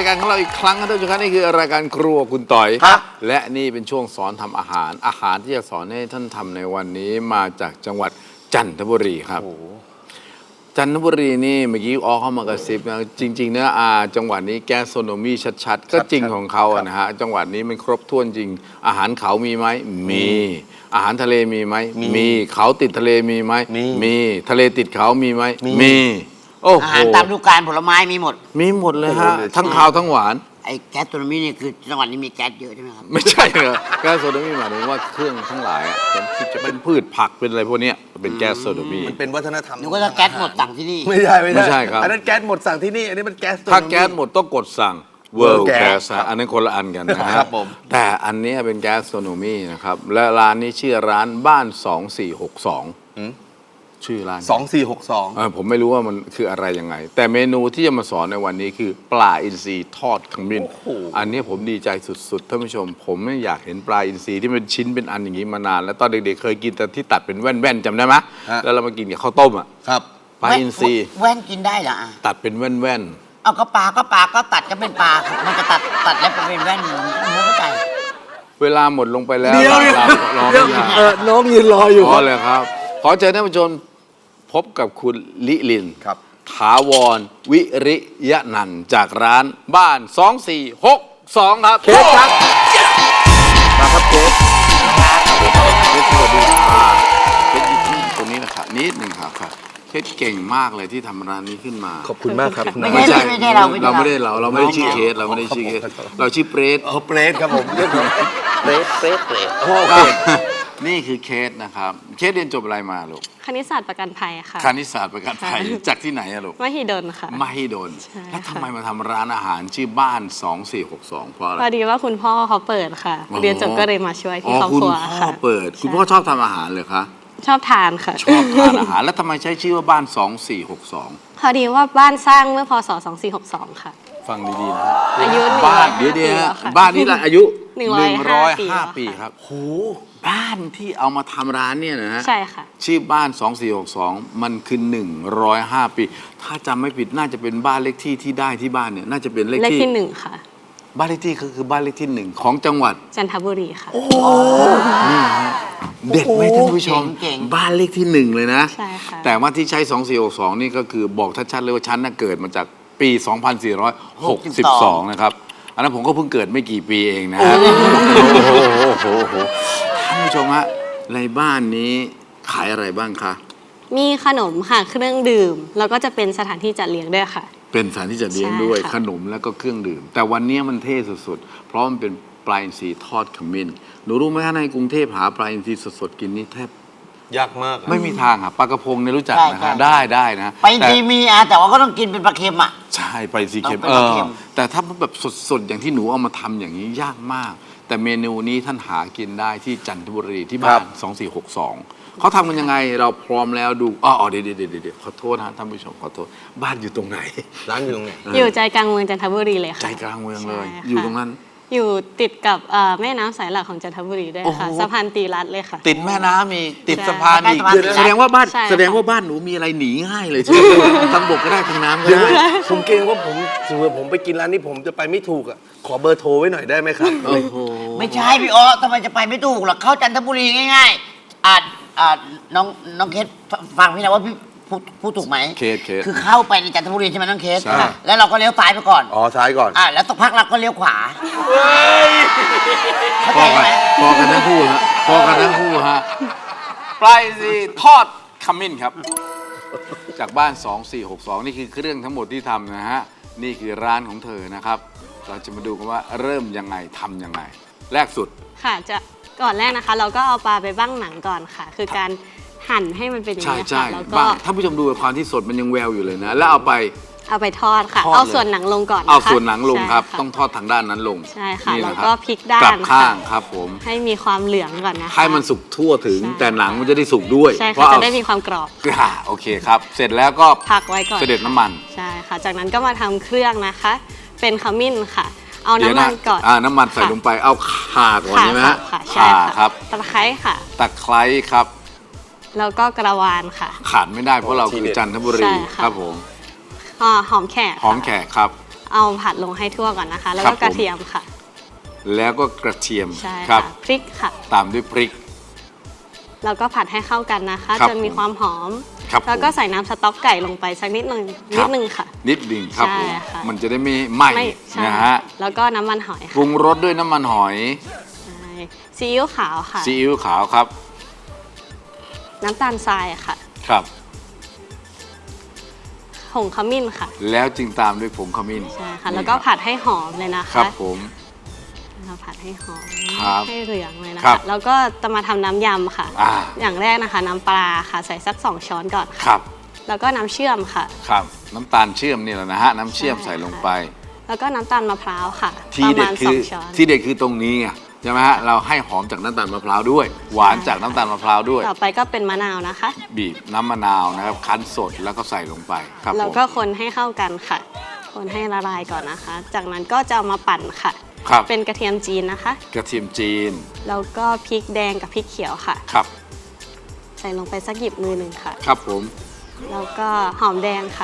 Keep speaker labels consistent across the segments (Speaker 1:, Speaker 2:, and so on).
Speaker 1: การของเราอีกครั้งครับท่านผู้ชมครับนี่คือรายการครัวคุณต่อยและนี่เป็นช่วงสอนทำอาหารที่จะสอนให้ท่านทำในวันนี้มาจากจังหวัดจันทบุรีครับจันทบุรีนี่เมื่อกี้เข้ามากระซิบนะจริงๆนะจังหวัดนี้แกสโทรโนมีชัดๆก็จริงของเขานะฮะจังหวัดนี้มันครบถ้วนจริงอาหารเขามีไหมมีอาหารทะเลมีไหมมีเขาติดทะเลมีไหมมีทะเลติดเขามีไหมมีโอ้โห
Speaker 2: อาหารตามฤดูกาลผลไม้มีหมด
Speaker 1: เลยฮะทั้งคาวทั้งหวาน
Speaker 2: ไอ้แก๊สโทรมีนี่คือจังหวัดนี้มีแก๊สเยอะใช่ไหมครับ
Speaker 1: ไม่ใช่เหรอแก๊สโซโดมีหมายถึงว่าเครื่องทั้งหลายที่จะเป็นพืชผักเป็นอะไรพวกนี้เป็นแก๊สโซโดมี
Speaker 3: มันเป็นวัฒนธรรม
Speaker 2: นึกว่าแก๊สหมดสั่งที่นี่
Speaker 3: ไม่ใช่ครับ
Speaker 1: อั
Speaker 3: นนั้นแก๊สหมดสั่งที่นี่อันนี้มันแก๊ส
Speaker 1: ถ้าแก๊สหมดต้องกดสั่ง World Gas อันนั้นคนละอันกันนะครับแต่อันนี้เป็นแก๊สโซโดมีนะครับและร้านนี้ชื่อร้านบ้าน2462ชื่อร้าน
Speaker 3: 2462
Speaker 1: ผมไม่รู้ว่ามันคืออะไรยังไงแต่เมนูที่จะมาสอนในวันนี้คือปลาอินทรีทอดขมิ้นอันนี้ผมดีใจสุดๆท่านผู้ชมผมไม่อยากเห็นปลาอินทรีที่เป็นชิ้นเป็นอันอย่างนี้มานานแล้วตอนเด็กๆเคยกินแต่ที่ตัดเป็นแว่นๆจำได้ไหมแล้วเรามากินกับข้าวต้มอ่ะ
Speaker 3: ครับ
Speaker 1: ปลาอินทรี
Speaker 2: แว่นกินได้เหรอ
Speaker 1: ตัดเป็นแว่น
Speaker 2: ๆเอาก็ปลาก็ตัดก็เป็นปลามันจะตัดแล้วเป็นแว่นไม่เข้าใจ
Speaker 1: เวลาหมดลงไปแล้ว
Speaker 3: น้องยืนรออยู่
Speaker 1: พอเลยครับขอเชิญท่านผู้ชมพบกับคุณลิลินถาวรวิริยะนันท์จากร้านบ้าน2462ครับ
Speaker 3: เคสครับมาครับเคส
Speaker 1: สวัสดีครับเคสอยู่ตรงนี้นะครับนิดหนึ่งครับเคสเก่งมากเลยที่ทำร้านนี้ขึ้นมา
Speaker 3: ขอบคุณมากครับ
Speaker 2: ไม่ใช่เราไม่ได้
Speaker 1: ชื่อเคสเราชื่อเปรต
Speaker 3: เปรตครับผมเรียกเปรตโอเค
Speaker 1: นี่คือเคสนะครับเคสเรียนจบอะไรมาลูก
Speaker 4: คณิตศาสตร์ประกันภัยค่ะ
Speaker 1: คณิตศาสตร์ประกันภัยจากที่ไหนอะลูก
Speaker 4: มหิดลค่ะ
Speaker 1: มหิดลแล้วทำไมมาทำร้านอาหารชื่อบ้าน2462เพราะอะไร
Speaker 4: พอดีว่าคุณพ่อเขาเปิดค่ะเรียนจบก็เลยมาช่วยที่ครอบครัว
Speaker 1: ค่ะคุณพ่อเปิดคุณพ่อชอบทำอาหารเลยคะ
Speaker 4: ชอบทานค่ะ
Speaker 1: ชอบทานอาหารแล้วทำไมใช้ชื่อว่าบ้าน2462
Speaker 4: พอดีว่าบ้านสร้างเมื่อพศ2462ค่ะ
Speaker 1: ฟังดีๆนะ
Speaker 4: อายุ
Speaker 1: บ้านเดี๋ยวบ้านนี้ละอายุ105 ปีครับโหบ้านที่เอามาทำร้านเนี่ยนะฮะ
Speaker 4: ใช่ค่ะ
Speaker 1: ชื่อบ้าน2462มันคือ105 ปีถ้าจำไม่ผิดน่าจะเป็นบ้านเลขที่ที่ได้ที่บ้านเนี่ยน่าจะเป็นเลขที่
Speaker 4: 1ค่ะ
Speaker 1: บ้านเลขที่คือบ้านเลขที่1ของจังหวัด
Speaker 4: จันทบุรีค่ะ
Speaker 1: นี่ฮะเด็ดไหมท่านผู้ชมบ้านเลขที่1เลยนะ
Speaker 4: ใช่ค่ะ
Speaker 1: แต่ว่าที่ใช้2462นี่ก็คือบอกชัดๆเลยว่าฉันน่ะเกิดมาจากปี2462นะครับอันนั้นผมก็เพิ่งเกิดไม่กี่ปีเองนะฮะโอ้โหท่านผู้ชมฮะในบ้านนี้ขายอะไรบ้างคะ
Speaker 4: มีขนมค่ะเครื่องดื่มแล้วก็จะเป็นสถานที่จัดเลี้ยงด้วยค่ะ
Speaker 1: เป็นสถานที่จัดเลี้ยงด้วยขนมแล้วก็เครื่องดื่มแต่วันนี้มันเท่สุดๆเพราะมันเป็นปลาอินทรีทอดขมิ้นหนูรู้ไหมในกรุงเทพหาปลาอินทรีสดๆกินนี่แทบ
Speaker 3: ยากมาก
Speaker 1: ไม่มีทางครับปลากระพงเนี่ยรู้จักนะฮะได้นะ
Speaker 2: ไปทีมีแต่ว่าก็ต้องกินเป็นปลาเค็มอ่ะ
Speaker 1: ใช่ไปซีเค็มแต่ถ้าแบบสดๆอย่างที่หนูเอามาทำอย่างนี้ยากมากแต่เมนูนี้ท่านหากินได้ที่จันทบุรีที่บ้าน2462เขาทำกันยังไงเราพร้อมแล้วดูเดี๋ยวขอโทษนะท่านผู้ชมขอโทษบ้านอยู่ตรงไหน
Speaker 3: ร้านอยู่ตรงไหน
Speaker 4: อยู่ใจกลางเมืองจันทบุรีเลยค่ะ
Speaker 1: ใจกลางเมืองเลยอยู่ตรงนั้น
Speaker 4: อยู่ติดกับแม่น้ำสายหลักของจันทบุรีด้วยค่ะสะพานตีรัตน์เลยค่ะ
Speaker 1: ติดแม่น้ำมีติดสะพานอีกแสดงว่าบ้านหนูมีอะไรหนีง่ายเลยใช่ไหมทั้งบกก็ได้ทั้งน้ำก็ได้
Speaker 3: ผมเกรงว่าผมไปกินร้านนี้ผมจะไปไม่ถูกอ่ะขอเบอร์โทรไว้หน่อยได้ไหมครับ
Speaker 2: ไม่ใช่พี่อ๋อทำไมจะไปไม่ถูกหรอกเข้าจันทบุรีง่ายๆน้องเคสฟังพี่นะว่าพี่พูดถูกไหม
Speaker 1: เคส
Speaker 2: คือเข้าไปในจันทบุรีใช่ไหมน้องเคสแล้วเราก็เลี้ยวซ้ายไปก่อน
Speaker 3: ซ้ายก่อน
Speaker 2: แล้วสักพักเราก็เลี้ยวขวา
Speaker 1: พอกันทั้งคู่ฮะปลาอินทรีทอดขมิ้นครับจากบ้าน2462นี่คือเครื่องทั้งหมดที่ทำนะฮะนี่คือร้านของเธอนะครับเราจะมาดูกันว่าเริ่มยังไงทำยังไงแรกสุด
Speaker 4: ค่ะจะก่อนแรกนะคะเราก็เอาปลาไปบ้างหนังก่อนค่ะคือการหั่นให้มันเป็นอย่างนี้ค่ะแล้วก็
Speaker 1: ท่านผู้ชมดูความที่สดมันยังแววอยู่เลยนะแล้วเอาไป
Speaker 4: ทอดค่ะเอาส่วนหนังลงก่อน
Speaker 1: เอาส่วนหนังลงครับต้องทอดทางด้านนั้นลง
Speaker 4: ใช่ค่ะแล้วก็พลิกด้าน
Speaker 1: กลับข้างครับผม
Speaker 4: ให้มีความเหลืองก่อนนะคะ
Speaker 1: ให้มันสุกทั่วถึงแต่หนังมันจะได้สุกด้วย
Speaker 4: ใช่ค่ะจะได้มีความกรอบ
Speaker 1: โอเคครับเสร็จแล้วก็
Speaker 4: พักไว้ก่อน
Speaker 1: เสด็จน้ำมัน
Speaker 4: ใช่ค่ะจากนั้นก็มาทำเครื่องนะคะเป็นขมิ้นค่ะเอาน้ำมันก่อน
Speaker 1: น้ำมันใส่ลงไปเอาข่าก่อนใช่ไหมฮะ
Speaker 4: ข่าครับตะไคร้ค่ะ
Speaker 1: ตะไคร้ครับ
Speaker 4: แล้วก็กระวานค่ะ
Speaker 1: ขาดไม่ได้เพราะเราคือจันทบุรีครับผม
Speaker 4: หอมแขก
Speaker 1: ครับ
Speaker 4: เอาผัดลงให้ทั่วก่อนนะคะ แล้ว
Speaker 1: ครั
Speaker 4: ก็
Speaker 1: บผม
Speaker 4: กระเทียมค่ะ
Speaker 1: แล้วก็กระเทียม
Speaker 4: ใช่
Speaker 1: ครั
Speaker 4: ค่ะพริกค่ะ
Speaker 1: ตามด้วยพริก
Speaker 4: แล้วก็ผัดให้เข้ากันนะคะ
Speaker 1: ครับ
Speaker 4: จนมีความหอม
Speaker 1: ครับ
Speaker 4: แล้วก็
Speaker 1: ผม
Speaker 4: ใส่น้ำสต๊อกไก่ลงไปสักนิดนึง
Speaker 1: ครับ
Speaker 4: ค่ะ
Speaker 1: นิดหนึ่งครับ
Speaker 4: ใช่
Speaker 1: ผม
Speaker 4: ค่ะ
Speaker 1: มันจะได้ไม่ไหม้
Speaker 4: ไม่ใช่
Speaker 1: นะฮะ
Speaker 4: แล้วก็น้ำมันหอย
Speaker 1: ปรุ
Speaker 4: ค่ะ
Speaker 1: งรสด้วยน้ำมันหอย
Speaker 4: ใช่ซีอิ๊วขาวค่ะ
Speaker 1: ซีอิ๊วขาวครับ
Speaker 4: น้ำตาลทรายค่ะ
Speaker 1: ครับ
Speaker 4: ผงขมิ้นค่ะ
Speaker 1: แล้วจึงตามด้วยผงขมิ้น
Speaker 4: ใช่ค่ะ
Speaker 1: นี่
Speaker 4: แล้วก็
Speaker 1: รับ
Speaker 4: ผัดให้หอมเลยนะ
Speaker 1: ครั
Speaker 4: คะ
Speaker 1: บผม
Speaker 4: เราผัดให้หอม
Speaker 1: ครับ
Speaker 4: ให้เหลืองเลยนะ
Speaker 1: ครั
Speaker 4: คะ
Speaker 1: บ
Speaker 4: แล้วก็จะมาทำน้ำยำค่ะ
Speaker 1: อ่า
Speaker 4: อย่างแรกนะคะ น้ำปลาค่ะ ใส่สัก 2 ช้อนก่อน
Speaker 1: ค
Speaker 4: ค่ะ
Speaker 1: รับ
Speaker 4: แล้วก็น้ำเชื่อมค่ะ
Speaker 1: ครับ น้ำตาลเชื่อมนี่แหละนะฮะ น้ำเชื่อม
Speaker 4: ใช่
Speaker 1: ใส่ลง
Speaker 4: ค่ะ
Speaker 1: ไป
Speaker 4: แล้วก็น้ำตาลมะพร้าวค่ะ
Speaker 1: ที
Speaker 4: ประ
Speaker 1: เด็
Speaker 4: มา
Speaker 1: ด
Speaker 4: ณ
Speaker 1: คือ
Speaker 4: 2 ช้อน
Speaker 1: ที่เด็ดคือตรงนี้ไงใช่ไหมฮะ เราให้หอมจากน้ำตาลมะพร้าวด้วย หวานจากน้ำตาลมะพร้าวด้วย
Speaker 4: ต่อไปก็เป็นมะนาวนะคะ
Speaker 1: บีบน้ำมะนาวนะครับ คั้นสดแล้วก็ใส่ลงไปครับ
Speaker 4: แล้ว
Speaker 1: ผม
Speaker 4: ก็คนให้เข้ากันค่ะ คนให้ละลายก่อนนะคะ จากนั้นก็จะเอามาปั่นค่ะ
Speaker 1: ครับ
Speaker 4: เป็นกระเทียมจีนนะคะ
Speaker 1: กระเทียมจีน
Speaker 4: แล้วก็พริกแดงกับพริกเขียวค่ะ
Speaker 1: ครับ
Speaker 4: ใส่ลงไปสักหยิบมือหนึ่งค่ะ
Speaker 1: ครับผม
Speaker 4: แล้วก็หอมแดงค่ะ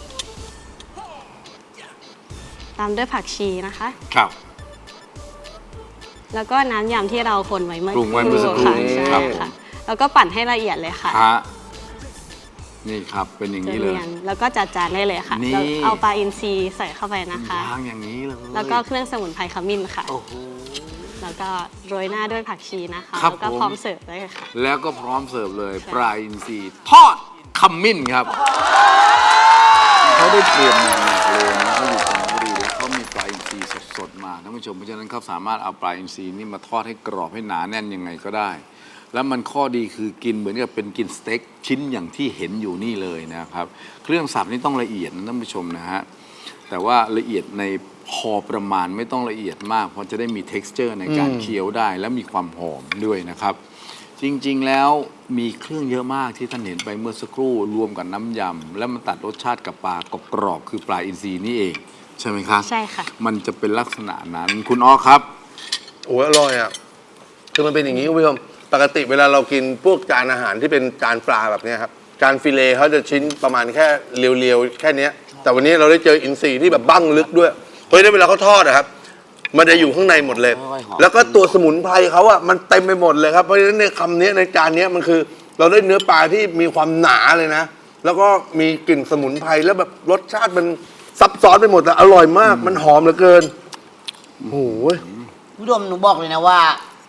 Speaker 4: ตามด้วยผักชีนะคะ
Speaker 1: ครับ
Speaker 4: แล้วก็น้ำยำที่เราคนไว้เมื่อ
Speaker 1: ปรุงไว้เมื่อสักครู่
Speaker 4: ค่ะ
Speaker 1: นี้
Speaker 4: ใช่
Speaker 1: ครับผม
Speaker 4: ค่ะ แล้วก็ปั่นให้ละเอียดเลยค่ะ
Speaker 1: ฮะนี่ครับเป็นอย่าง
Speaker 4: จน
Speaker 1: นี้เลย
Speaker 4: เนียนแล้วก็จัดจานได้เลยค่ะ
Speaker 1: นี่
Speaker 4: แล้วเอาปลาอินทรีใส่เข้าไปนะคะ
Speaker 1: วางอย่างนี้เลย
Speaker 4: แล้วก็เครื่องสมุนไพรขมิ้นค่ะ
Speaker 1: โอ้โห
Speaker 4: แล้วก็โรยหน้าด้วยผักชีนะคะ
Speaker 1: ครับ
Speaker 4: แล้วก็
Speaker 1: ผม
Speaker 4: พร้อมเสิร์ฟเลยค่ะ
Speaker 1: แล้วก็พร้อมเสิร์ฟเลย
Speaker 4: ใช่
Speaker 1: ปลาอินทรีทอดขมิ้นครับ เขาได้เตรียมมาหนักเลยนะเขาอยู่จันทบุรีแล้วเขามีปลาอินทรีสดๆมาท่านผู้ชมเพราะฉะนั้นเขาสามารถเอาปลาอินทรีนี่มาทอดให้กรอบให้หนาแน่นยังไงก็ได้ แล้วมันข้อดีคือกินเหมือนกับเป็นกินสเต็กชิ้นอย่างที่เห็นอยู่นี่เลยนะครับ เครื่องสับนี่ต้องละเอียดนะท่านผู้ชมนะฮะแต่ว่าละเอียดในพอประมาณไม่ต้องละเอียดมากเพราะจะได้มี texture ในการเคี้ยวได้ และมีความหอมด้วยนะครับ จริงๆ แล้วมีเครื่องเยอะมากที่ท่านเห็นไปเมื่อสักครู่รวมกับน้ำยำแล้วมันตัดรสชาติกับปลากรอบๆคือปลาอินทรีนี่เอง ใช่ไหมครับ
Speaker 4: ใช่ค่ะ
Speaker 1: มันจะเป็นลักษณะนั้นคุณอ้อครับ
Speaker 3: โอ้ยอร่อยอ่ะ คือมันเป็นอย่างนี้คุณผู้ชม ปกติเวลาเรากินพวกจานอาหารที่เป็นจานปลาแบบเนี้ยครับ จานฟิเลต์เขาจะชิ้นประมาณแค่เรียวๆ แค่เนี้ย แต่วันนี้เราได้เจออินทรีที่แบบบั้งลึกด้วย เพราะฉะนั้นเวลาเขาทอดอะครับ มันจะอยู่ข้างในหมดเลย แล้วก็ตัวสมุนไพรเขาอะมันเต็มไปหมดเลยครับ เพราะฉะนั้นในคำนี้ในจานนี้มันคือ เราได้เนื้อปลาที่มีความหนาเลยนะ แล้วก็มีกลิ่นสมุนไพรแล้วแบบรสชาติมันซับซ้อนไปหมดแต่อร่อยมาก มันหอมเหลือเกิน โอ้โห
Speaker 2: ผู้ชมหนูบอกเลยนะว่า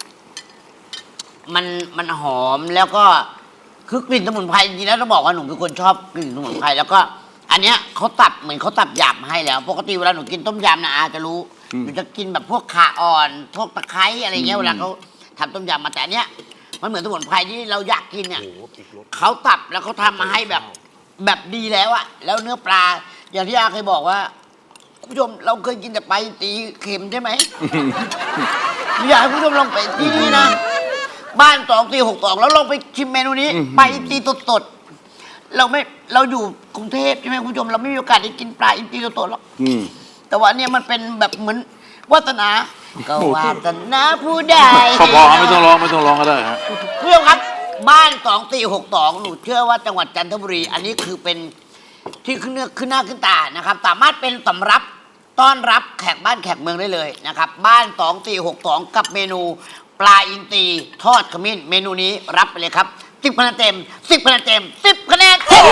Speaker 2: มันหอมแล้วก็คือกลิ่นสมุนไพรจริงๆแล้วต้องบอกว่าหนูเป็นคนชอบกลิ่นสมุนไพรแล้วก็ อันเนี้ยเขาตัดเหมือนเขาตัดหยาบมาให้แล้ว ปกติเวลาหนูกินต้มยำนะอาจะรู้หนูจะกินแบบพวกข่าอ่อนพวกตะไคร้อะไรเงี้ยเวลาเขาทำต้มยำมาแต่อันเนี้ยมันเหมือนสมุนไพรที่เราอยากกินเนี่ยเขาตัดแล้วเขาทำมาให้แบบดีแล้วอะแล้วเนื้อปลา อย่างที่อาเคยบอกว่าคุณผู้ชมเราเคยกินแต่ปลาอินทรีเค็มใช่ไหม อยากให้คุณผู้ชมลองไปที่นี่นะ บ้าน2462แล้วลองไปชิมเมนูนี้ปลาอินทรีสดๆเราอยู่กรุงเทพใช่ไหมคุณผู้ชมเราไม่มีโอกาสได้กินปลาอินทรีสดๆหรอก
Speaker 1: อืม
Speaker 2: แต่ว่าเนี่ยมันเป็นแบบเหมือนวาสนาก็วาสนาผู้ใด
Speaker 1: พอๆไม่ต้องร้องก็ได้ฮะ
Speaker 2: เพื่อนครับบ้าน2462หนูเชื่อว่าจังหวัดจันทบุรี อันนี้คือเป็นที่ขึ้นหน้าขึ้นตานะครับ สามารถเป็นสำรับต้อนรับแขกบ้านแขกเมืองได้เลยนะครับ บ้าน2462กับเมนูปลาอินทรีทอดขมิ้นเมนูนี้รับไปเลยครับ10คะแนนเต็ม10คะแนนเต็ม10คะแนนเต็ม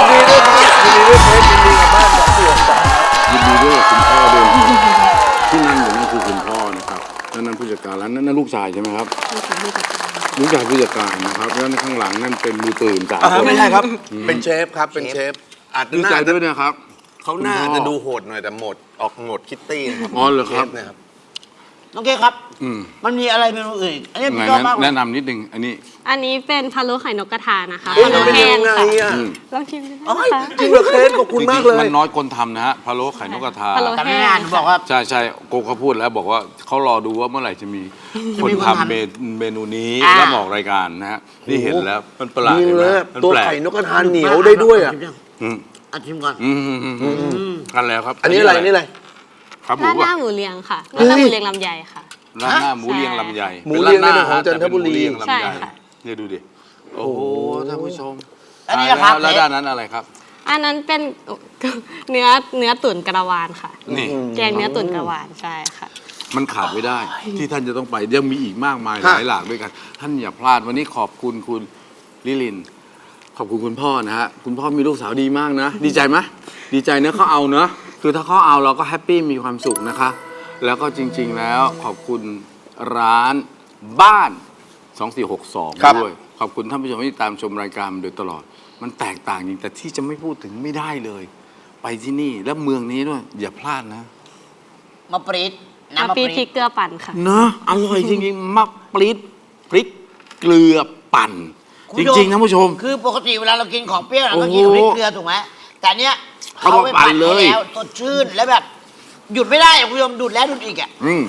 Speaker 1: ยินดีด้วยกับคุณพ่อด้วยที่นั่งอยู่นั่นคือคุณพ่อนะครับแล้วนั่นผู้จัดการร้านนั่นลูกชายใช่ไหมครับลูกชายผู้จัดการนะครับแล้วข้างหลังนั่นเป็นมือปืน3 คน
Speaker 3: ไม่ใช่ครับ เป็นเชฟครับ เป็นเชฟอาจจะ
Speaker 1: ดีใจด้วยนะครับ
Speaker 3: เขาหน้าจะดูโหดหน่อยแต่ออกโหมดคิตตี้นะครับ
Speaker 1: อ๋อเหรอครับ
Speaker 3: ชฟเนี่ยครับ
Speaker 2: น้องเก๋ครับ
Speaker 1: อืม
Speaker 2: มันมีอะไรเมนูอื่นอีกอันนี้
Speaker 1: ไหน
Speaker 2: พี่ชอบมากเลย
Speaker 1: แนะนำนิดนึงอันนี้
Speaker 4: อันนี้เป็นพะโล้ไข่นกกระทานะคะ
Speaker 3: เอ้ย
Speaker 4: พะ
Speaker 3: มัน
Speaker 4: โล้
Speaker 3: เป็น
Speaker 4: แห้
Speaker 3: ยัง งไง
Speaker 4: ค่ะ
Speaker 3: อ่ะ
Speaker 1: อืม
Speaker 4: ลองชิมดู
Speaker 3: เอ้
Speaker 4: นะ
Speaker 3: ย
Speaker 4: คะ
Speaker 3: จริงเหรอเคสขอบคุณมากเลย
Speaker 1: มันน้อยคนทำนะฮะพะโล้ไข่นกกระทา
Speaker 4: พะโล้
Speaker 2: แต่ไม่นานหนูบอกว่า
Speaker 1: ใช่ใช่โกเขาพูดแล้วบอกว่าเขารอดูว่าเมื่อไหร่จะมีคน
Speaker 2: จะมีคน
Speaker 1: ทำ
Speaker 2: ทำ
Speaker 1: เมนูนี้
Speaker 2: อ่า
Speaker 1: แล้วมาออกรายการนะฮะนี่เห็นแล้วมันประหลาด
Speaker 3: จริง
Speaker 1: เห็นไห
Speaker 3: เล
Speaker 1: ม
Speaker 3: ย
Speaker 1: มัน
Speaker 3: ตัว
Speaker 1: แปลก
Speaker 3: ไข่นกกระทาเหนียวได้ด้วยอ่ะ
Speaker 1: อืม
Speaker 2: เอาชิมก่อน
Speaker 1: กันแล้วครับ
Speaker 3: อันนี้อะไรนี่อะไร
Speaker 1: ครับหมู
Speaker 4: ราดห
Speaker 1: ป่ะ
Speaker 4: น้าหมูเลียงค่ะราดหน้าหมูเลียงลำไยค่ะ
Speaker 1: ร้านหน้าหมูเรียงลำไย
Speaker 3: หมูเรียง
Speaker 1: ป็นร้า
Speaker 3: ในของจันทบุรี
Speaker 1: แต่เป็นหมูเยงลำ
Speaker 4: ใช่
Speaker 1: ไย
Speaker 4: ค่ะ
Speaker 1: เนี่ยดูดิโอ้โหท่านผู้ชม
Speaker 2: อันนี้นะครับ
Speaker 1: แล้วด้านนั้นอะไรครับ
Speaker 4: อันนั้นเป็นเนื้อตุ๋นกระวานค่ะ
Speaker 1: นี่
Speaker 4: แกงเนื้อตุ๋นกระวานใช่ค่ะ
Speaker 1: มันขาดไม่ได้ ที่ท่านจะต้องไปยังมีอีกมากมายห
Speaker 3: ฮะ
Speaker 1: ลายหลากด้วยกัน ท่านอย่าพลาดวันนี้ขอบคุณคุณลิลิน ขอบคุณคุณพ่อนะฮะคุณพ่อมีลูกสาวดีมากนะ ดีใจไหมดีใจเนะเขาเอาเนอะคือถ้าเขาเอาเราก็แฮปปี้มีความสุขนะคะ แล้วก็จริง ๆ แล้วขอบคุณร้านบ้าน 2462
Speaker 3: ครับ
Speaker 1: ด้วยขอบคุณท่านผู้ชมที่ตามชมรายการมาโดยตลอด มันแตกต่างจริงแต่ที่จะไม่พูดถึงไม่ได้เลย ไปที่นี่และเมืองนี้ด้วยอย่าพลาดนะ
Speaker 2: มะปรี๊ด
Speaker 4: น้ำ
Speaker 2: น้ำมะ
Speaker 4: ปี
Speaker 2: ปรี๊
Speaker 4: พริ
Speaker 2: ด
Speaker 4: กเกลือปั่นค่ะ
Speaker 1: เนอะอร่อยจริงๆมะปรี๊ดพริกเกลือปั่น
Speaker 2: คุณ
Speaker 1: จ
Speaker 2: ผู้ชม
Speaker 1: ริงๆนะผู้ชม
Speaker 2: คือปกติเวลาเรากินของเปรี้ยวเราต้อง
Speaker 1: โอ้
Speaker 2: กิน
Speaker 1: โห
Speaker 2: กับพริกเกลือถูกไหมแต่เนี้ย
Speaker 1: เอา
Speaker 2: เขา
Speaker 1: มา
Speaker 2: ไป
Speaker 1: ปั่
Speaker 2: ปั่
Speaker 1: น
Speaker 2: น
Speaker 1: เลย
Speaker 2: ให้แล้วสดชื่นแล้วแบบหยุดไม่ได้อะคุณผู้ชมดูดแล้วดูดอีกอ่ะ
Speaker 1: อืม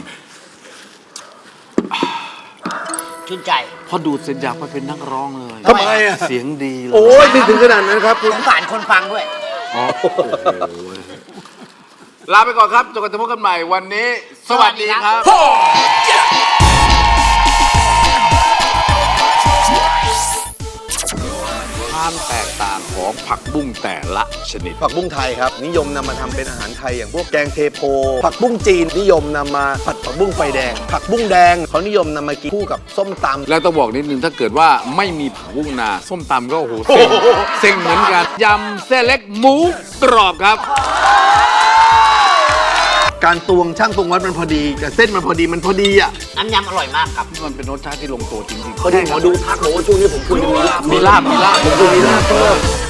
Speaker 2: ชื่นใจ
Speaker 1: พอดูดเสร็จอยากไปเป็นนักร้องเลย
Speaker 3: ทำไมอะ
Speaker 1: เสียงดีเลย
Speaker 3: โอ้ยไม่ถึงขนาดนั้นครับคุณ
Speaker 2: สงสารคนฟังด้วย
Speaker 1: อ๋อโอ้โหลาไปก่อนครับจนกว่าจะพบกันใหม่วันนี้ สวัสดีครับ ความแตกต่างของผักบุ้งแต่ละชนิด
Speaker 3: ผักบุ้งไทยครับ นิยมนำมาทำเป็นอาหารไทยอย่างพวกแกงเทโพ ผักบุ้งจีนนิยมนำมาผัดผักบุ้งไฟแดง ผักบุ้งแดงเขานิยมนำมากินคู่กับส้มตำ
Speaker 1: แล้วต้องบอกนิดนึงถ้าเกิดว่าไม่มีผักบุ้งนา ส้มตำก็โอ้โหเซ็งเซ็งเหมือนกันยำเส้นเล็กหมูกรอบครับ
Speaker 3: การตวงช่างตวงวัดมันพอดีแต่เส้นมันพอดีมันพอดีอ่ะ
Speaker 2: น้ำยำอร่อยมากครับ
Speaker 1: มันเป็นรสชาติที่ลงตัวจริงๆ
Speaker 3: พอดีหมอดูทักบอกว่าช่วงนี้ผมควรจะมีลาบ
Speaker 1: มีลาบ
Speaker 3: ผมควรมีลาบเพิ่ม